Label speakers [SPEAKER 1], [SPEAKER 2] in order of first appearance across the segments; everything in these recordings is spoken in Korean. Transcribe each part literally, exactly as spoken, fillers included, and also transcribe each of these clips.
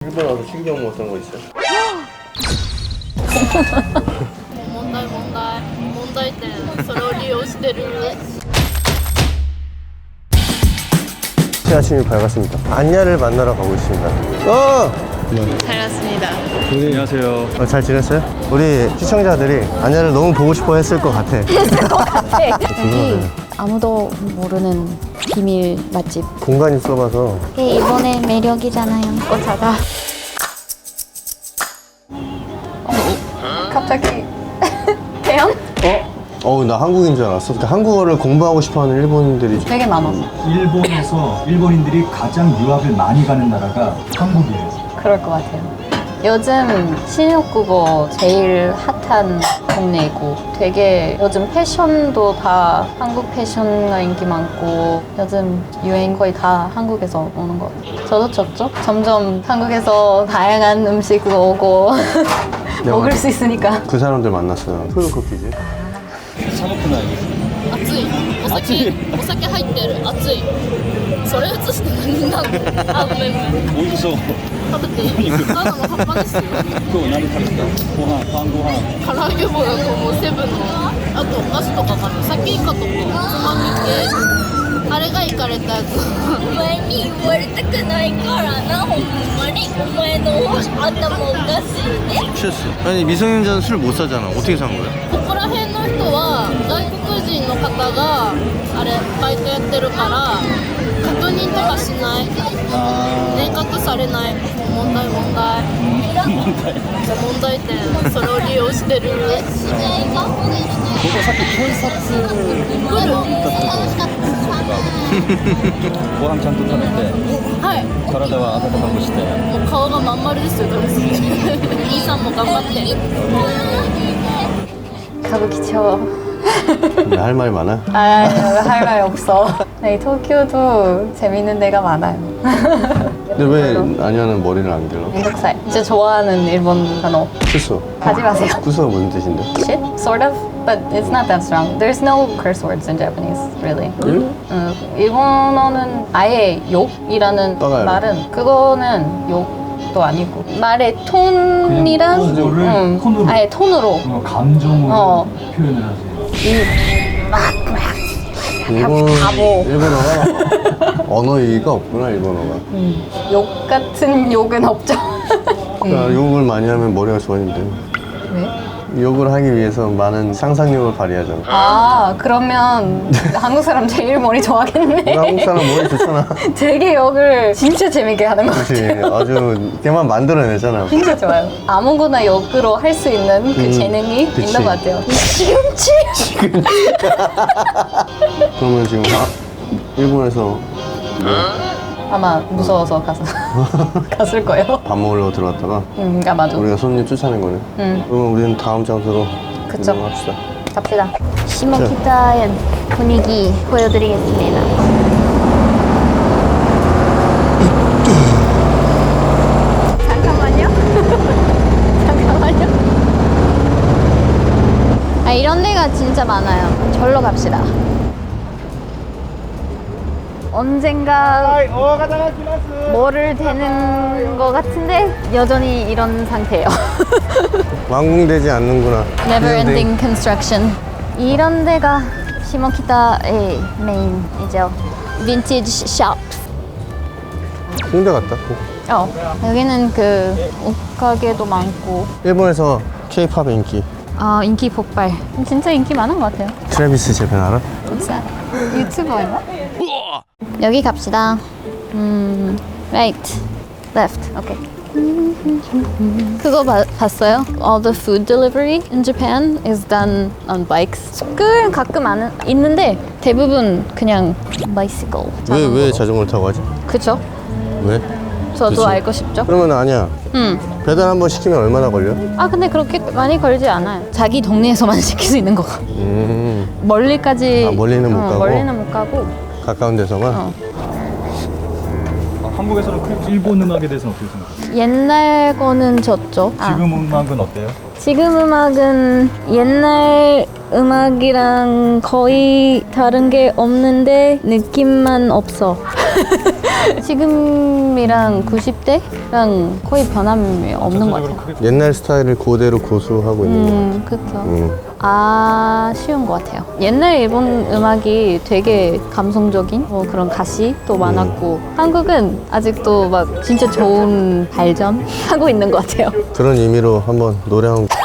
[SPEAKER 1] 일본 와서 신경 못 쓴 거 있어요?
[SPEAKER 2] 問題問題問題点それを利用してる
[SPEAKER 1] 새 아침이 밝았습니다. 안야를 만나러 가고 있습니다. 어!
[SPEAKER 2] 잘 왔습니다.
[SPEAKER 3] 안녕하세요.
[SPEAKER 1] 어, 잘 지냈어요? 우리 시청자들이 안야를 너무 보고 싶어 했을 것 같아.
[SPEAKER 4] 여기 아무도 모르는 비밀 맛집.
[SPEAKER 1] 공간이 좁아서.
[SPEAKER 4] 이게 일본의 매력이잖아요. 어, 작아. 갑자기 태연?
[SPEAKER 1] 어? 어우, 나 한국인 줄 알았어. 그러니까 한국어를 공부하고 싶어 하는 일본인들이
[SPEAKER 4] 되게 많아.
[SPEAKER 3] 일본에서 일본인들이 가장 유학을 많이 가는 나라가 한국이에요.
[SPEAKER 4] 그럴 것 같아요. 요즘 신혼국어 제일 핫한 동네이고 되게 요즘 패션도 다 한국 패션가 인기 많고 요즘 유행 거의 다 한국에서 오는 것 같아요. 저도 좋죠? 점점 한국에서 다양한 음식 오고 먹을 수 있으니까.
[SPEAKER 1] 그 사람들 만났어요. 푸드커피지.
[SPEAKER 2] 熱いお酒お酒入ってる熱いそれ映して何なのあごめんごめん
[SPEAKER 3] 美味しそう。
[SPEAKER 2] 食べていいただの葉っぱですよ
[SPEAKER 3] 今日何食べた？ご飯、晩ご飯。
[SPEAKER 2] 唐揚げ棒だと思うセブンのあとお菓子とかかなさきイカとかおつまみ系あれがいかれたやつお前に言われたくないからなほんまにお前の頭おかしいね
[SPEAKER 1] 실수. 아니, 미성년자는 술 못 사잖아. 어떻게 산 거야?
[SPEAKER 2] ここら辺の人は外国人の方があれバイトやってるから確認とかしない明確されない問題問題問題点それを利用してる
[SPEAKER 3] 僕はさっき警察行ったとこご飯ちゃんと食べて
[SPEAKER 2] はい
[SPEAKER 3] 体は温かくして
[SPEAKER 2] もう顔がまん丸ですよ食べ過ぎて兄さんも頑張って
[SPEAKER 4] 가부키쳐.
[SPEAKER 1] 근데 할 말이 많아?
[SPEAKER 4] 아니, 할 말 없어. 네, 도쿄도 재밌는 데가 많아요.
[SPEAKER 1] 근데 왜 안야는 머리를 안 길러?
[SPEAKER 4] 한국살. 진짜 좋아하는 일본 단어.
[SPEAKER 1] 쿠소.
[SPEAKER 4] 하지 마세요.
[SPEAKER 1] 쿠소가 무슨 뜻인데?
[SPEAKER 4] Shit, sort of, but it's not that strong. There's no curse words in Japanese, really.
[SPEAKER 1] 응?
[SPEAKER 4] 어, 일본어는 아예 욕이라는
[SPEAKER 1] 떠나요.
[SPEAKER 4] 말은 그거는 욕도 아니고 말의 톤이랑
[SPEAKER 3] 그냥 그거를
[SPEAKER 4] 음,
[SPEAKER 3] 톤으로.
[SPEAKER 4] 아예 톤으로
[SPEAKER 3] 어, 감정으로
[SPEAKER 4] 어.
[SPEAKER 3] 표현을 하세요.
[SPEAKER 1] 일본,
[SPEAKER 4] 바보.
[SPEAKER 1] 일본어가 언어이가 없구나, 일본어가.
[SPEAKER 4] 음, 욕 같은 욕은 없죠.
[SPEAKER 1] 그러니까 욕을 많이 하면 머리가 좋아진대.
[SPEAKER 4] 왜?
[SPEAKER 1] 욕을 하기 위해서 많은 상상력을 발휘하잖아.
[SPEAKER 4] 아, 그러면 한국 사람 제일 머리 좋아하겠네.
[SPEAKER 1] 한국 사람 머리 좋잖아.
[SPEAKER 4] 되게 욕을 진짜 재밌게 하는 것
[SPEAKER 1] 그렇지.
[SPEAKER 4] 같아요.
[SPEAKER 1] 아주 걔만 만들어내잖아.
[SPEAKER 4] 진짜 좋아요. 아무거나 역으로 할 수 있는 그
[SPEAKER 1] 음,
[SPEAKER 4] 재능이
[SPEAKER 1] 그치.
[SPEAKER 4] 있는 것 같아요. 시금치?
[SPEAKER 1] 그러면 지금 아, 일본에서 뭐
[SPEAKER 4] 아마 무서워서 가서 갔을 거예요.
[SPEAKER 1] 밥 먹으려고 들어왔다가
[SPEAKER 4] 음, 아마도.
[SPEAKER 1] 우리가 손님 쫓아낸 거네.
[SPEAKER 4] 음,
[SPEAKER 1] 그러면 우리는 다음 장소로
[SPEAKER 4] 그쵸.
[SPEAKER 1] 이동합시다.
[SPEAKER 4] 갑시다. 시모키타의 분위기 보여드리겠습니다. 잠깐만요. 잠깐만요. 아, 이런 데가 진짜 많아요. 절로 갑시다. 언젠가 뭐를 되는 것 같은데 여전히 이런 상태예요.
[SPEAKER 1] 완공되지 않는구나.
[SPEAKER 4] Never ending construction. 이런 데가 시모키타의 메인이죠. 빈티지 샵.
[SPEAKER 1] 홍대 같다.
[SPEAKER 4] 어, 여기는 그 옷가게도 많고.
[SPEAKER 1] 일본에서 K-팝 인기.
[SPEAKER 4] 아, 인기 폭발. 진짜 인기 많은 것 같아요.
[SPEAKER 1] 트래비스 제팬 알아?
[SPEAKER 4] 진짜 유튜버인가? 여기 갑시다. 음, right, left. 오케이. 그거 봐, 봤어요? All the food delivery in Japan is done on bikes. 그 가끔 안, 있는데 대부분 그냥 bicycle.
[SPEAKER 1] 왜, 왜
[SPEAKER 4] 자전거로.
[SPEAKER 1] 자전거를 타고 가지?
[SPEAKER 4] 그쵸?
[SPEAKER 1] 왜?
[SPEAKER 4] 저도
[SPEAKER 1] 그치.
[SPEAKER 4] 알고 싶죠?
[SPEAKER 1] 그러면 아니야.
[SPEAKER 4] 음.
[SPEAKER 1] 배달 한 번 시키면 얼마나 걸려?
[SPEAKER 4] 아 근데 그렇게 많이 걸지 않아요. 자기 동네에서만 시킬 수 있는 거.
[SPEAKER 1] 음,
[SPEAKER 4] 멀리까지.
[SPEAKER 1] 아, 멀리는 못
[SPEAKER 4] 어,
[SPEAKER 1] 가고?
[SPEAKER 4] 멀리는 못 가고.
[SPEAKER 1] 가까운 데서만?
[SPEAKER 4] 어.
[SPEAKER 3] 한국에서는 그 일본 음악에 대해서는 어떻게 생각하세요?
[SPEAKER 4] 옛날 거는 졌죠. 아,
[SPEAKER 3] 지금 음악은 어때요?
[SPEAKER 4] 지금 음악은 옛날 음악이랑 거의 다른 게 없는데 느낌만 없어. 지금이랑 구십 대랑 거의 변함이 없는 것 같아요.
[SPEAKER 3] 크게
[SPEAKER 1] 옛날 스타일을 그대로 고수하고 있는 것
[SPEAKER 4] 음, 그쵸.
[SPEAKER 1] 같아요. 음.
[SPEAKER 4] 아쉬운 것 같아요. 옛날 일본 음악이 되게 감성적인 뭐 그런 가시도 많았고 한국은 아직도 막 진짜 좋은 발전하고 있는 것 같아요.
[SPEAKER 1] 그런 의미로 한번 노래 한 곡.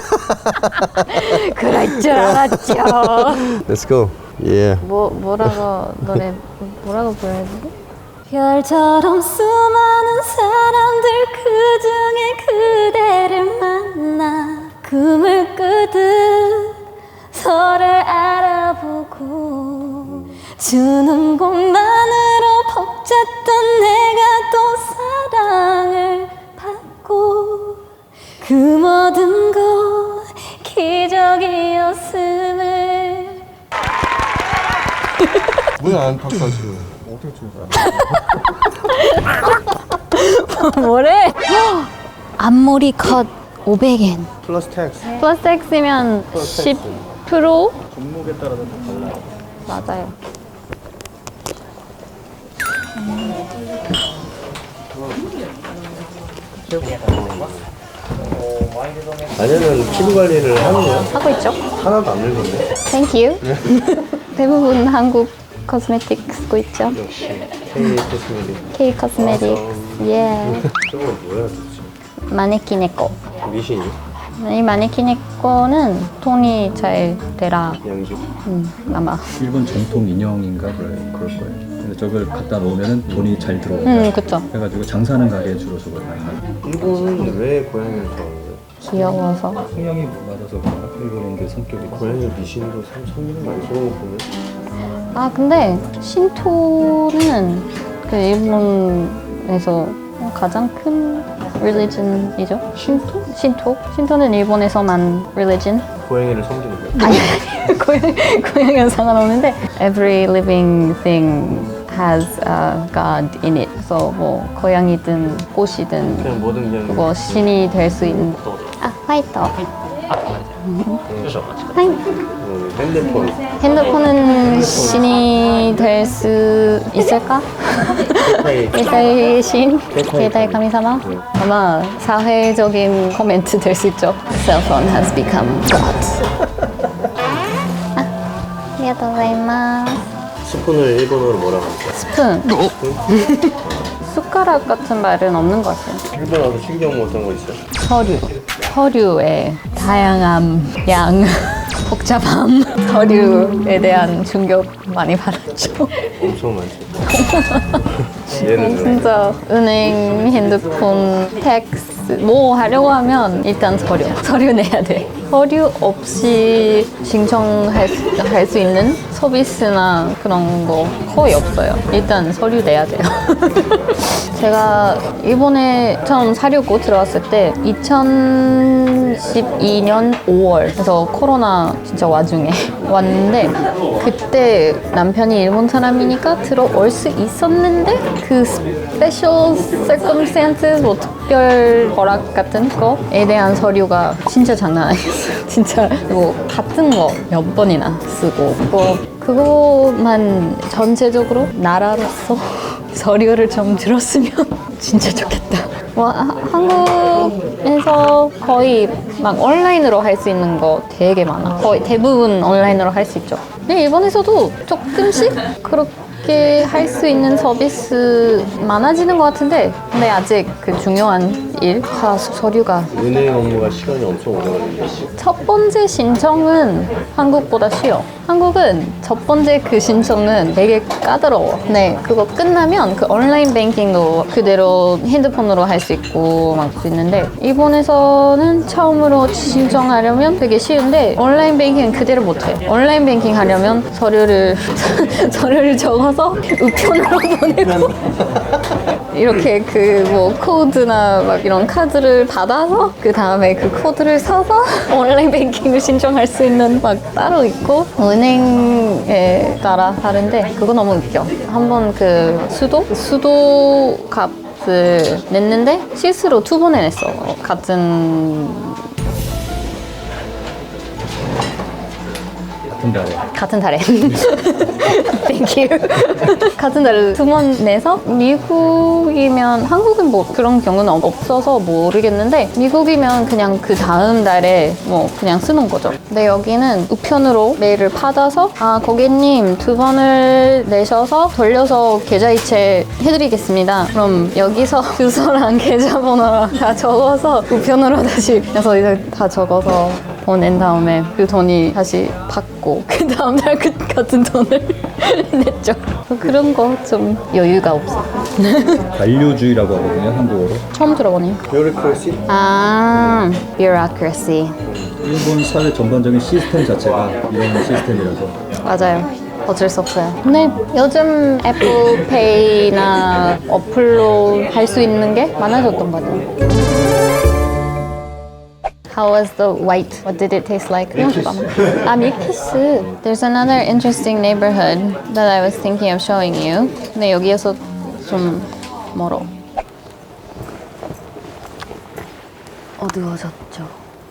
[SPEAKER 4] 그럴 줄 알았죠.
[SPEAKER 1] Let's go. Yeah.
[SPEAKER 4] 뭐 뭐라고 노래 뭐라고 불러야 되지? 별처럼 수많은 사람들 그 중에 그대를 만나 꿈을 꾸듯 서로를 알아보고 주는 것만으로 벅찼던 내가 또 사랑을 받고 그 모든 것 기적이었음을.
[SPEAKER 1] 왜 안 박사지?
[SPEAKER 3] 어떻게 추는 거야?
[SPEAKER 4] 뭐래? 앞머리 컷 오백 엔
[SPEAKER 1] 플러스 텍스.
[SPEAKER 4] 플러스 X면
[SPEAKER 1] 플러스
[SPEAKER 4] 십 퍼센트?
[SPEAKER 3] 종목에 따라서 좀 달라요.
[SPEAKER 4] 맞아요.
[SPEAKER 1] 아니면 피부 관리를 하는 거야?
[SPEAKER 4] 하고 있죠?
[SPEAKER 1] 하나도 안 늙었네.
[SPEAKER 4] Thank you. 대부분 한국 코스메틱 쓰고 있죠?
[SPEAKER 1] 역시 K 코스메틱.
[SPEAKER 4] K 코스메틱. 예.
[SPEAKER 1] 저거 뭐야 도대체?
[SPEAKER 4] 마네킹의 거.
[SPEAKER 1] 미신이?
[SPEAKER 4] 이 마네킹의 거는 돈이 잘 되라.
[SPEAKER 1] 양주.
[SPEAKER 4] 음, 아마.
[SPEAKER 3] 일본 전통 인형인가 그럴, 그럴 거예요. 근데 저걸 갖다 놓으면 돈이 잘 들어오고
[SPEAKER 4] 음, 그쵸.
[SPEAKER 3] 그래가지고 장사하는 가게에 주로 저걸 많이 하는.
[SPEAKER 1] 일본은 왜 고양이를 좋아하는 거야?
[SPEAKER 4] 귀여워서.
[SPEAKER 3] 성향이 맞아서 그런가? 일본인들 성격이
[SPEAKER 1] 고양이 미신도 참 성민은 많이 쏘는 거 보면
[SPEAKER 4] 아, 근데 신토는 그 일본에서 가장 큰 religion이죠. 신토? 신토? 신토는 일본에서만 religion.
[SPEAKER 1] 고양이를 섬기는 거야?
[SPEAKER 4] 아니, 고양, 고양이는 상관없는데 every living thing has a god in it. 그래서 뭐 고양이든 꽃이든
[SPEAKER 1] 그냥 뭐든 그냥
[SPEAKER 4] 그거 신이 될 수 있는. 아, 화이트. 하이.
[SPEAKER 1] 뭐 핸드폰
[SPEAKER 4] 핸드폰은 신이 될 수 있을까? 일대의 신? 일대의 가미사마? 아마 사회적인 코멘트 될 수 있죠. Cell phone has become God. 아, 아리가토우고자이마스.
[SPEAKER 1] 스푼을 일본어로 뭐라고 할까?
[SPEAKER 4] 스푼. 숟가락 같은 말은 없는 것 같아요.
[SPEAKER 1] 일본 와서 신경 못 한 거 있어요?
[SPEAKER 4] 서류. 서류의 다양함, 양, 복잡함. 서류에 대한 충격 많이 받았죠.
[SPEAKER 1] 엄청 많죠. 예를 들어
[SPEAKER 4] 진짜 은행, 핸드폰, 텍스 뭐 하려고 하면 일단 서류. 서류 내야 돼. 서류 없이 신청할 수, 할 수 있는 서비스나 그런 거 거의 없어요. 일단 서류 내야 돼요. 제가 일본에 처음 사려고 들어왔을 때 이천십이 년 오월 그래서 코로나 진짜 와중에 왔는데 그때 남편이 일본 사람이니까 들어올 수 있었는데 그 스페셜 circumstances 뭐 특별 허락 같은 거에 대한 서류가 진짜 장난 아니었어요. 진짜 뭐 같은 거 몇 번이나 쓰고 뭐 그거만 전체적으로 나라로서 서류를 좀 들었으면 진짜 좋겠다. 뭐 하- 한국에서 거의 막 온라인으로 할 수 있는 거 되게 많아. 거의 대부분 온라인으로 할 수 있죠. 근데 일본에서도 조금씩 그렇게 할 수 있는 서비스 많아지는 것 같은데 근데 아직 그 중요한 일, 다 서류가
[SPEAKER 1] 은행 업무가 시간이 엄청 오래 걸린다.
[SPEAKER 4] 첫 번째 신청은 한국보다 쉬워. 한국은 첫 번째 그 신청은 되게 까다로워. 네, 그거 끝나면 그 온라인 뱅킹도 그대로 핸드폰으로 할 수 있고 막 수 있는데 일본에서는 처음으로 신청하려면 되게 쉬운데 온라인 뱅킹은 그대로 못해. 온라인 뱅킹 하려면 서류를 서류를 적어서 우편으로 보내고 이렇게 그 뭐 코드나 막 이런 카드를 받아서 그 다음에 그 코드를 써서 온라인 뱅킹을 신청할 수 있는 막 따로 있고 은행에 따라 다른데 그거 너무 웃겨. 한번 그 수도 수도 값을 냈는데 실수로 두 번에 냈어. 같은
[SPEAKER 3] 같은 달에.
[SPEAKER 4] 같은 달에. Thank you. 같은 달에 두 번 내서 미국이면 한국은 뭐 그런 경우는 없어서 모르겠는데 미국이면 그냥 그 다음 달에 뭐 그냥 쓰는 거죠. 근데 여기는 우편으로 메일을 받아서 아 고객님 두 번을 내셔서 돌려서 계좌이체 해드리겠습니다. 그럼 여기서 주소랑 계좌번호랑 다 적어서 우편으로 다시 그래서 이제 다 적어서 보낸 다음에 그 돈이 다시 받고 그 다음 날 그 같은 돈을 냈죠. 그런 거 좀 여유가 없어.
[SPEAKER 3] 관료주의라고 하거든요, 한국어로.
[SPEAKER 4] 처음 들어보니.
[SPEAKER 1] Bureaucracy.
[SPEAKER 4] 아, bureaucracy.
[SPEAKER 3] 일본 사회 전반적인 시스템 자체가 이런 시스템이라서.
[SPEAKER 4] 맞아요. 어쩔 수 없어요. 근데 요즘 애플페이나 어플로 할 수 있는 게 많아졌던 것 같아요. How was the white? What did it taste like? 아, 밀키스. There's another interesting neighborhood that I was thinking of showing you. 근데 여기에서 좀 멀어. 어두워졌죠.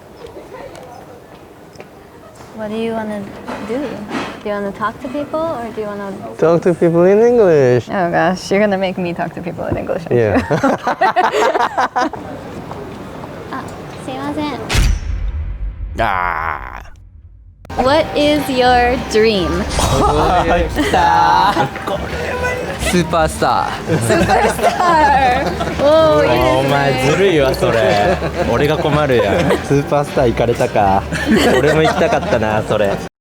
[SPEAKER 4] What do you want to do? Do you want to talk to people or do you want to...
[SPEAKER 1] Talk to people in English.
[SPEAKER 4] Oh gosh, you're gonna make me talk to people in English. aren't
[SPEAKER 1] Yeah.
[SPEAKER 4] you? 아, すいません.
[SPEAKER 5] 아.
[SPEAKER 4] What is your dream?
[SPEAKER 5] 스ーパースター
[SPEAKER 4] Superstar. Oh,
[SPEAKER 5] お前ずるいわそれ俺が困るやんスーパースター行かれたか俺も行きたかったなそれ